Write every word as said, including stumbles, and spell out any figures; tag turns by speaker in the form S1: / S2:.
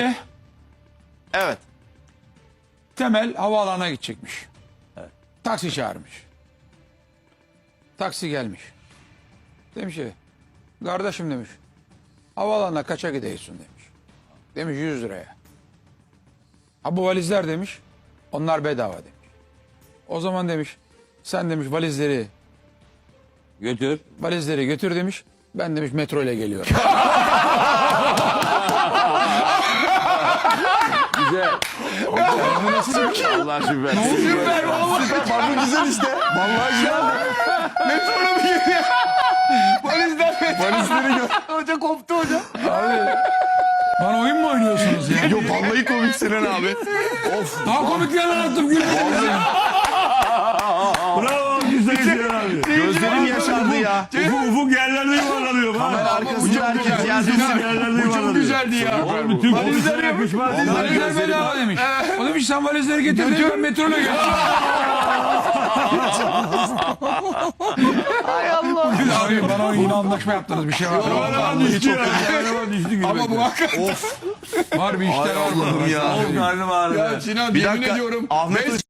S1: Evet.
S2: Temel havaalanına gidecekmiş. Taksi çağırmış. Taksi gelmiş. Demiş ki kardeşim demiş havaalanına kaça gidiyorsun demiş. Demiş yüz liraya. Ha bu valizler demiş onlar bedava demiş. O zaman demiş sen demiş valizleri
S1: Götür.
S2: valizleri götür demiş. Ben demiş metro ile geliyorum.
S1: Güzel. Allah süper.
S3: Süper vallahi. Bak bu güzel işte. Vallahi güzel. Metrola bir geliyor. Valizler Valizleri gör. Hoca koptu hoca.
S2: Abi bana oyun mu oynuyorsunuz ya?
S3: Yok vallahi komik Sinan abi. Of.
S2: Daha komikler anlattım gülmedim ya.
S4: Bravo güzel Sinan abi.
S3: Gözlerim yaşardı ya.
S4: Ufuk, ufuk yerlerde yuvarlanıyor.
S3: Kamera arkasında herkes yerlisi.
S4: Yerlerde yuvarlanıyor.
S2: Güzeldi ya.
S4: Oğlum bütün
S2: Valizleri
S4: konuşmaya yakışmaz.
S2: Valizler bedava demiş. O demiş sen valizleri getir demiş ben metroyla geleceğim.
S3: Hay Allah.
S2: Abi bana yine anlaşma yaptınız bir şey var.
S4: Kameraman düştü ya. Kameraman düştü.
S2: Ama bu hakikaten
S3: Of.
S2: var bir işler var.
S3: Allah'ım ya.
S4: Karnım ağrıdı.
S3: Ya Sinan yemin ediyorum. Ahmet